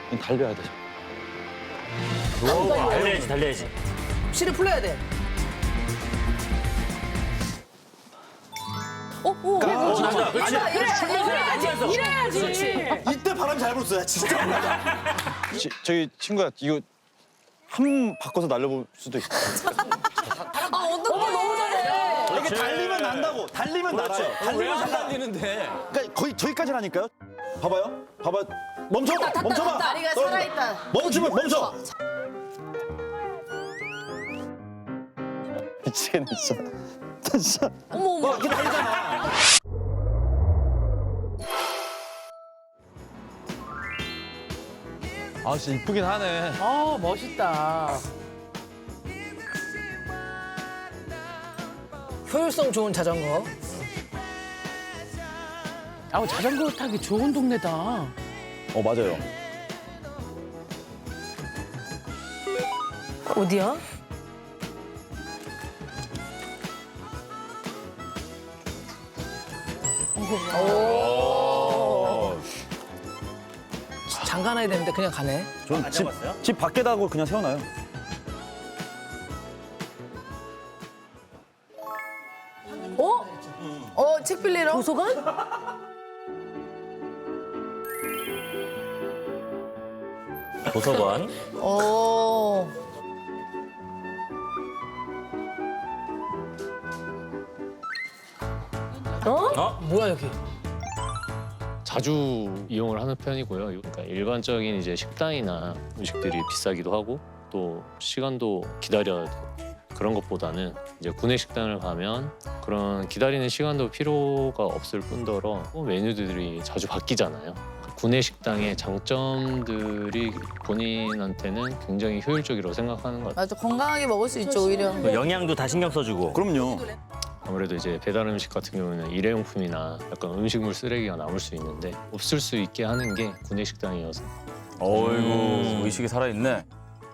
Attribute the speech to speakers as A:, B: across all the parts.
A: 달려야 되죠.
B: 달려야지, 달려야지.
C: 실을 풀려야 돼.
B: 맞아. 그렇지.
C: 이래야지.
D: 이때 바람 잘 불었어요, 진짜.
A: 저희 친구야 이거 한 바꿔서 날려볼 수도 있어.
C: 너무 잘해.
D: 이게 달리면 난다고. 달리면 나죠. 달리면 잘
B: 달리는데.
D: 그러니까 거의 저기까지라니까요. 봐봐요. 봐봐. 멈춰봐. 멈춰봐.
C: 다리가 살아있다.
D: 멈추면 멈춰.
A: 미치겠네 진짜. 진짜.
C: 어머.
D: 이게 달리잖아.
A: 아 진짜 이쁘긴 하네.
C: 아 멋있다. 효율성 좋은 자전거.
E: 자전거 타기 좋은 동네다.
D: 맞아요.
C: 어디야? 오. 장가놔야 되는데 그냥 가네.
D: 전 집 밖에다 하고 그냥 세워놔요.
C: 책 빌리러? 도서관?
B: 도서관.
C: 뭐야 여기?
F: 자주 이용을 하는 편이고요. 그러니까 일반적인 이제 식당이나 음식들이 비싸기도 하고 또 시간도 기다려야 되고 그런 것보다는 이제 구내 식당을 가면 그런 기다리는 시간도 필요가 없을 뿐더러 메뉴들이 자주 바뀌잖아요. 구내 식당의 장점들이 본인한테는 굉장히 효율적이라고 생각하는 것 같아요.
G: 맞아, 건강하게 먹을 수 있죠, 오히려.
B: 영양도 다 신경 써주고.
D: 그럼요.
F: 아무래도 이제 배달 음식 같은 경우는 일회용품이나 약간 음식물 쓰레기가 남을 수 있는데 없을 수 있게 하는 게 구내 식당이어서
B: 어이구, 의식이 살아있네.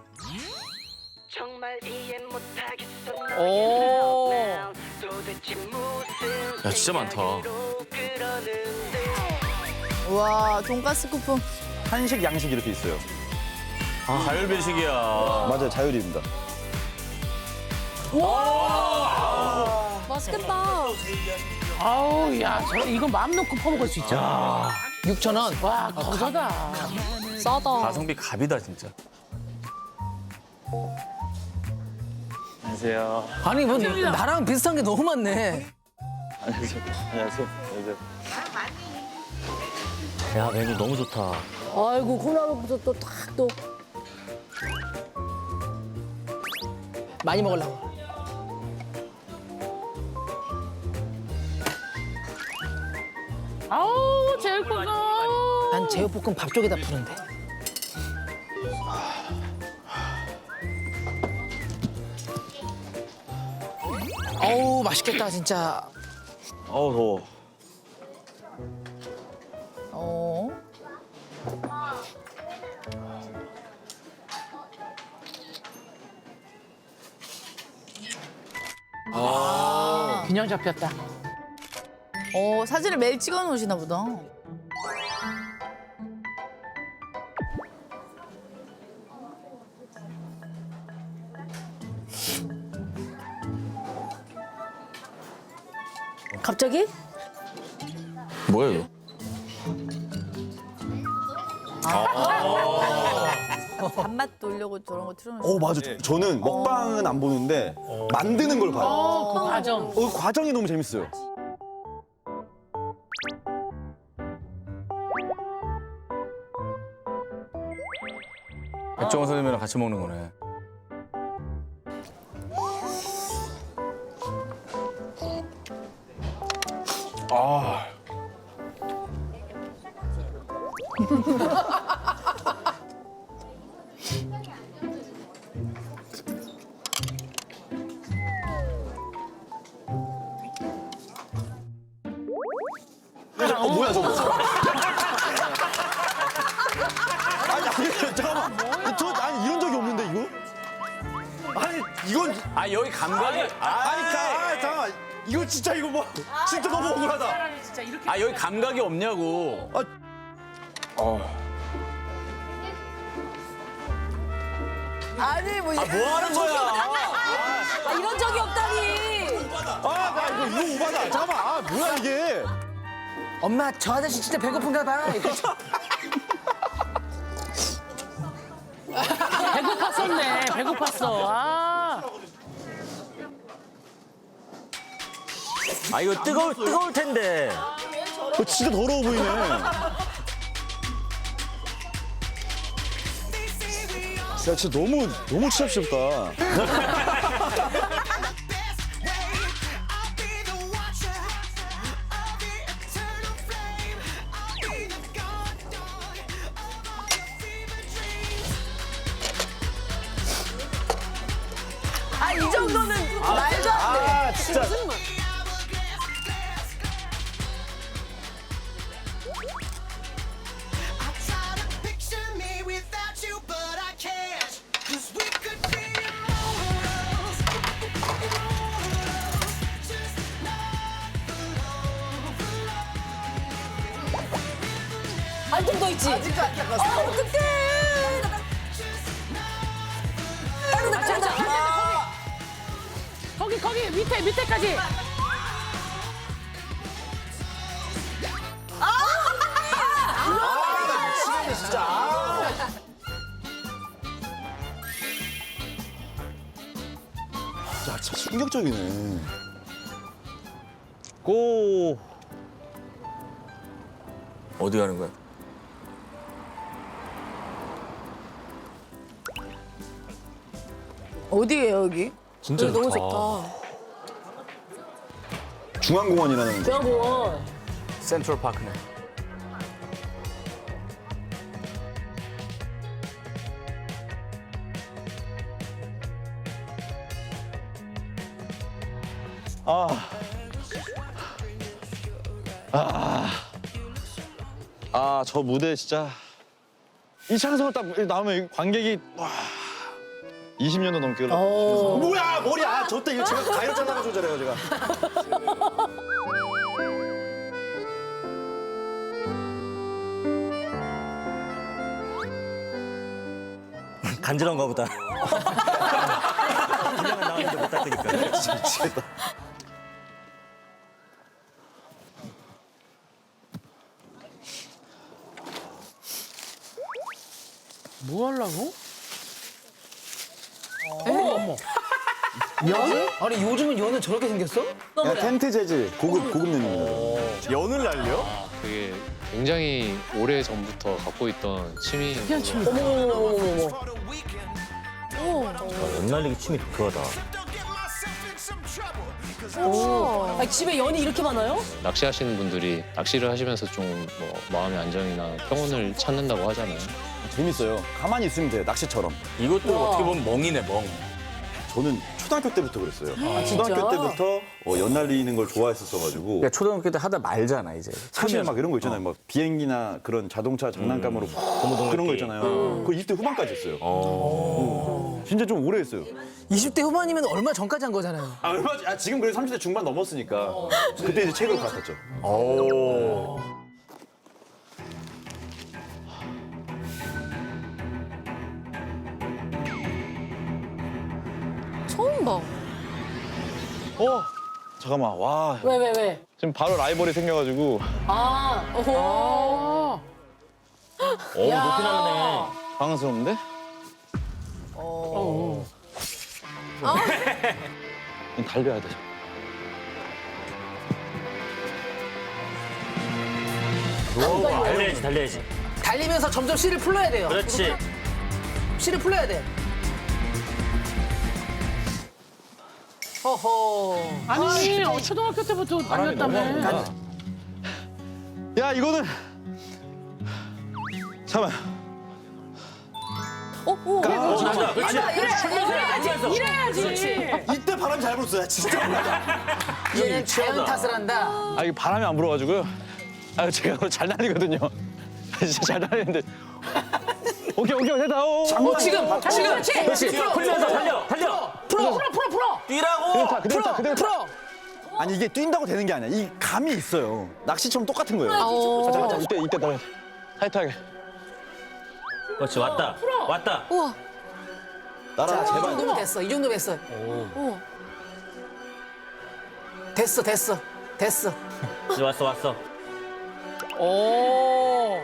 C: 오.
B: 야, 진짜 많다.
G: 와, 돈가스 쿠폰.
D: 한식, 양식 이렇게 있어요.
B: 자율배식이야.
D: 맞아요, 자율입니다.
G: 맛있겠다.
E: 아우, 야, 이거 마음 놓고 퍼먹을 수 있잖아.
C: 6,000원.
E: 와, 거저다.
G: 싸다.
B: 가성비 갑이다, 진짜.
A: 안녕하세요.
C: 아니 뭐 나랑 비슷한 게 너무 많네.
A: 안녕하세요. 안녕하세요. 안녕하세요.
B: 야, 메뉴 너무 좋다.
C: 아이고 콩나물부터 또 탁 또. 많이 먹으려고.
E: 아우, 제육볶음.
C: 난 제육볶음 밥 쪽에다 푸는데. 어우 맛있겠다 진짜.
D: 더워.
G: 어.
E: 균형 잡혔다.
G: 사진을 매일 찍어 놓으시나 보다.
C: 갑자기?
B: 뭐야, 이거?
G: 밥맛 돌려고 저런 거 틀어놓으시나
D: 맞아. 저는 먹방은 안 보는데 만드는 걸 봐요.
E: 그 과정.
D: 그 과정이 너무 재밌어요.
B: 백종원 선생님이랑 같이 먹는 거네.
D: 뭐야 저거? 아니 잠깐만. 아니 이런 적이 없는데 이거? 아니 이건
B: 여기 감각이.
D: 잠깐만. 이거 진짜 이거 뭐 진짜 너무 억울하다.
E: 진짜 이렇게.
B: 여기 감각이 없냐고.
G: 아니 뭐.
B: 뭐 하는 거야?
G: 이런 적이 없다니.
D: 나 이거 오바다. 잠깐만. 뭐야 이게?
C: 엄마 저 아저씨 진짜 배고픈가 봐. 이러면서.
E: 배고팠었네. 배고팠어.
B: 아 이거 뜨거울 텐데.
A: 진짜 더러워 보이네. 야, 진짜 너무 취합시럽다.
G: 아 이 정도는 말도 안 돼.
A: 진짜.
G: 한 좀 더 있지. 아직도 안 닦았어. 어떡해.
E: 거기 밑에까지.
A: 야, 진짜 충격적이네.
B: 고. 어디 가는 거야?
G: 어디예요 여기?
B: 진짜
G: 여기 너무
B: 좋다.
G: 좋다.
A: 중앙공원이라는.
G: 중앙공원.
B: 센트럴 파크네.
A: 저 무대 진짜. 이 창석을 딱 나오면 관객이, 와. 20년도 넘게 흘렀어.
D: 뭐야 머리야. 저때 이거 제가 가위로 잘라가지고 저래요 제가.
B: 간지러운가 보다. 그냥 나오는데 못 닦으니까.
A: 미치겠다.
E: 뭐 하려고?
C: 아니 요즘은 연은 저렇게 생겼어?
A: 야, 텐트 재질. 고급 연입니다.
D: 연을 날려?
F: 그게 굉장히 오래 전부터 갖고 있던 취미.
B: 연날리기 춤이 독특하다.
G: 아 집에 연이 이렇게 많아요?
F: 낚시하시는 분들이 낚시를 하시면서 좀 뭐 마음의 안정이나 평온을 찾는다고 하잖아요.
A: 재밌어요. 가만히 있으면 돼요. 낚시처럼.
B: 이것도 어떻게 보면 멍이네 멍.
A: 저는 초등학교 때부터 그랬어요.
G: 진짜?
A: 초등학교 때부터 연 날리는 걸 좋아했었어가지고.
B: 그러니까 초등학교 때 하다 말잖아 이제.
A: 사실 막 이런 거 있잖아요. 막 비행기나 그런 자동차 장난감으로 그런 거 있잖아요. 그거 20대 후반까지 했어요. 진짜 좀 오래 했어요.
C: 20대 후반이면 얼마 전까지 한 거잖아요.
A: 지금 그래도 30대 중반 넘었으니까 그때 이제 책으로 갈아탔죠.
G: 처음 봐.
A: 잠깐만. 와.
G: 왜?
A: 지금 바로 라이벌이 생겨가지고
G: 아, 오.
B: 오 높이 나가네.
A: 당황스러운데? 달려야 돼.
B: 달려야지.
C: 달리면서 점점 씨를 풀러야 돼요.
B: 그렇지.
C: 씨를 풀러야 돼. 허허.
E: 아니 초등학교 때부터 달렸다며.
A: 야, 이거는 잠깐만.
E: 이래야지.
D: 이때 바람 잘 불었어요 진짜.
C: 얘는 자연 탓을 한다.
A: 아, 이게 바람이 안 불어가지고요. 제가 잘 날리거든요. 진짜 잘 날리는데. 오케이, 됐다.
C: 지금
E: 그렇지.
B: 풀면서 달려.
E: 풀어.
B: 뛰라고.
A: 그대로 타.
C: 풀어.
A: 아니, 이게 뛴다고 되는 게 아니야. 이 감이 있어요. 낚시처럼 똑같은 거예요. 자, 이때 따라 타이트하게.
B: 그렇지 왔다.
G: 우와.
A: 날아
C: 이
A: 제발.
C: 정도면 됐어. 이 정도면 됐어. 됐어, 됐어, 됐어.
B: 이제 왔어 왔어.
E: 오.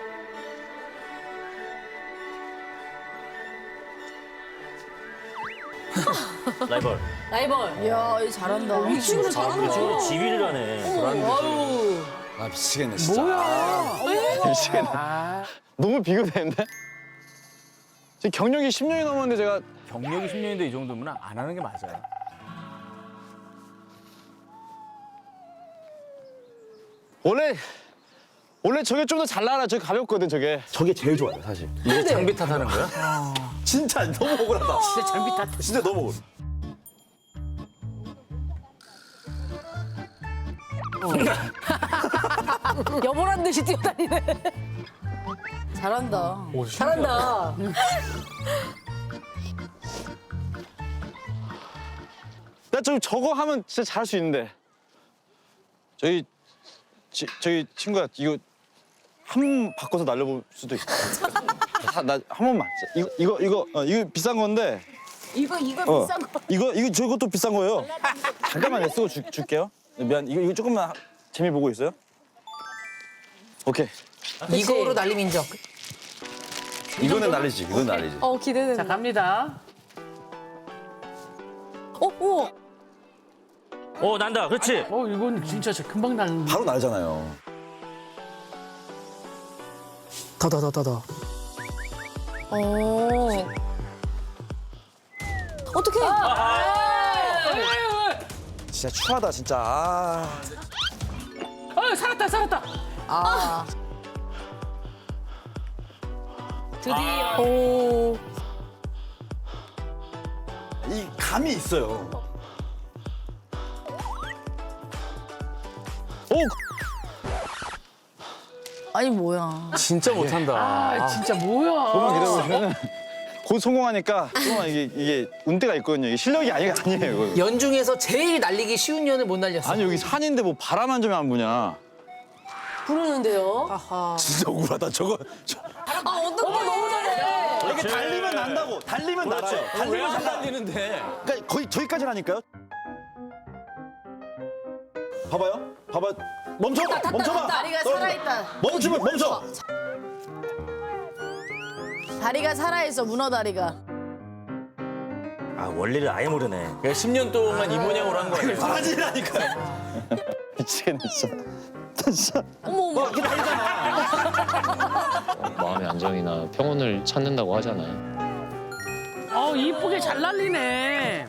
B: 라이벌.
G: 라이벌. 이야, 이 잘한다. 이 친구 잘한다.
B: 저 지휘를 하네.
G: 아유.
A: 아 미치겠네 진짜.
E: 뭐야?
A: 미치겠네.
E: 아,
A: 너무 비교되는데? 지금 경력이 10년이 넘었는데 제가
B: 경력이 10년인데 이 정도면 안 하는 게 맞아요.
A: 원래 저게 좀 더 잘 나라. 저게 가볍거든 저게. 저게 제일 좋아요 사실.
B: 이게 장비 탓하는 거야?
A: 진짜 너무 억울하다.
E: 진짜 장비 탓.
A: 진짜 너무 억울.
G: 여보란 듯이 뛰어다니네. 잘한다. 잘한다.
A: 나 좀 저거 하면 진짜 잘할 수 있는데. 저기 친구야 이거 한 번 바꿔서 날려볼 수도 있어. 나 한 번만. 이거 비싼 건데.
G: 이거 비싼 거.
A: 이거 저것도 비싼 거예요. 잠깐만 내 쓰고 줄게요. 미안. 이거 조금만 재미 보고 있어요. 오케이.
C: 이거로 날림 인정.
A: 이거는 날리지. 이건 날리지.
G: 기대된다.
E: 자, 갑니다.
G: 우와.
B: 난다. 그렇지.
E: 이건 진짜 금방 나는.
A: 바로 날잖아요.
C: 더.
G: 어떡해.
A: 진짜 추하다 진짜.
E: 살았다.
C: 아,
G: 드디어.
C: 오.
A: 이 감이 있어요. 오!
G: 아니, 뭐야.
B: 진짜 못한다.
E: 아, 진짜 뭐야?
A: 조금만 기다려보시면 곧 성공하니까 조금만 이게 운대가 있거든요. 이게 실력이 아니에요. 이거.
C: 연중에서 제일 날리기 쉬운 년을 못 날렸어.
A: 아니 여기 산인데 뭐 바람 한 점이 안 부냐.
G: 부르는데요.
C: 아하.
A: 진짜 억울하다. 저거.
G: 어떡해. 너무 잘해.
A: 이게 달리면 난다고. 달리면 날아요. 달리면
B: 안
A: 난다.
B: 달리는데?
A: 그러니까 거의 저기까지라니까요. 봐봐요. 봐봐. 멈춰봐.
G: 다리가 살아있다.
A: 멈춰.
G: 다리가 살아있어, 문어 다리가.
B: 원리를 아예 모르네. 그러니까 10년 동안 이 모양으로 한 거야.
A: 바지라니까. 미치겠네 진짜.
G: 어머.
F: 마음의 안정이나 평온을 찾는다고 하잖아요.
E: 이쁘게 잘 날리네.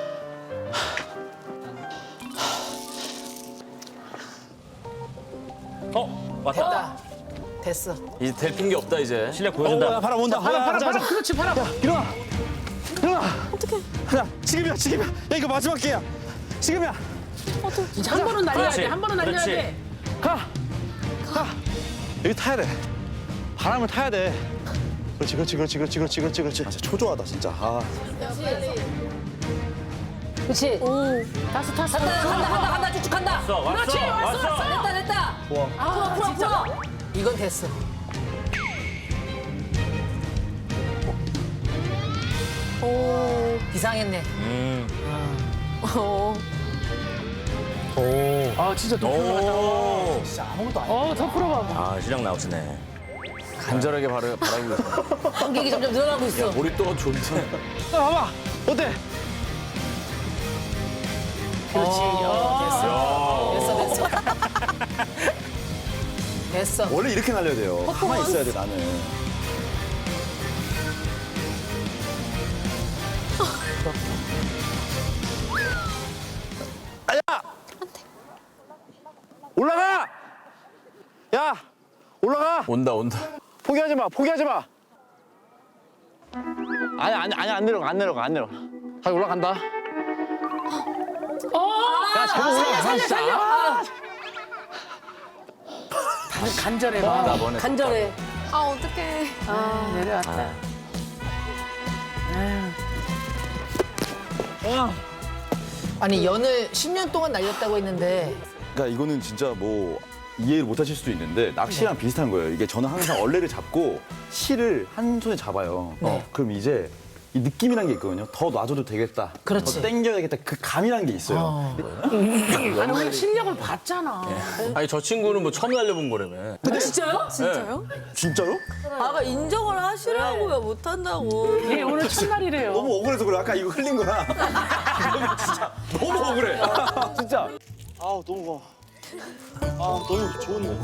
B: 왔다.
C: 됐어.
B: 이제 될 핑계 없다 이제. 실력 보여준다.
A: 바람 온다.
E: 팔아. 그렇지, 팔아.
A: 일어나. 어떡해. 야, 지금이야. 야, 이거 마지막 기회야. 지금이야.
E: 한 번은 날려야
B: 그렇지,
E: 돼. 한 번은 날려야
B: 그렇지.
E: 돼.
A: 가. 여기 타야 돼. 바람을 타야 돼. 그렇지. 아, 진짜 초조하다, 진짜. 아.
G: 그렇지.
E: 탔어.
G: 간다. 쭉쭉 간다.
B: 왔어.
G: 됐다. 풀어.
C: 이건 됐어. 이상했네.
E: 진짜 더 풀어봐. 더 풀어봐.
B: 실력 나오시네. 간절하게 바라고 있어.
G: 관객이 점점 늘어나고 있어.
B: 우리 또 존재.
A: 봐봐. 어때?
C: 그렇지. 됐어.
A: 원래 이렇게 날려야 돼요. 가만히 있어야 돼, 나는. 야! 올라가! 야! 올라가!
B: 온다.
A: 포기하지 마. 아니, 안 내려가. 다시 올라간다. 야, 제발 올라가.
E: 살려. 간절해. 봐.
G: 간절해.
E: 내려왔다.
C: 아니, 연을 10년 동안 날렸다고 했는데
A: 그러니까 이거는 진짜 뭐 이해를 못 하실 수도 있는데 낚시랑 비슷한 거예요. 이게 저는 항상 얼레를 잡고 실을 한 손에 잡아요. 그럼 이제 이 느낌이란 게 있거든요. 더 놔줘도 되겠다.
C: 그렇지.
A: 더 땡겨야 되겠다. 그 감이란 게 있어요.
E: 아니 오늘 실력을 봤잖아.
B: 아니 저 친구는 뭐 처음 날려본 거라며.
G: 진짜요? 진짜요?
A: 진짜로?
G: 아까 인정을 하시라고요. 못한다고.
E: 예, 오늘 첫날이래요.
A: 너무 억울해서 그래. 아까 이거 흘린 거야. 진짜 너무 억울해. 진짜.
D: 아 너무 너무 좋은데.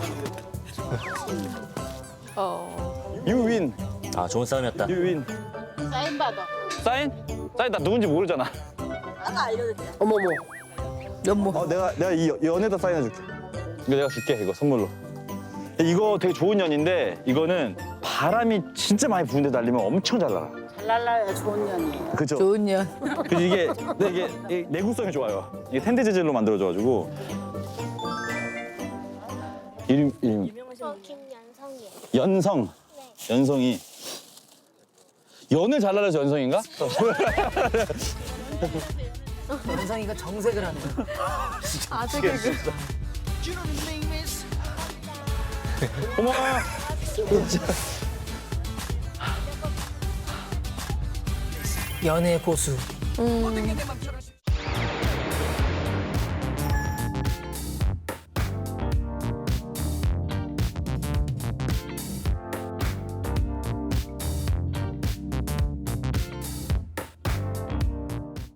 A: 유윈.
B: 아 좋은 싸움이었다.
A: 유윈.
H: 사인 받아.
A: 사인? 사인 나 누군지 모르잖아.
G: 어머머. 연모.
A: 내가 이 연에다 사인해줄게. 이거 내가 줄게 이거 선물로. 이거 되게 좋은 연인데 이거는 바람이 진짜 많이 부는데 날리면 엄청 잘 날아.
H: 잘 날라야 좋은 년이에요.
A: 그죠?
G: 좋은 년.
A: 그래서 이게 내구성이 좋아요. 이게 텐데 재질로 만들어져가지고. 이름
H: 저 김연성이에요.
A: 연성. 연성이. 연을 잘 날려서 연성인가?
C: 연상이가 정색을 하네.
A: 고마워요.
C: 연애 고수.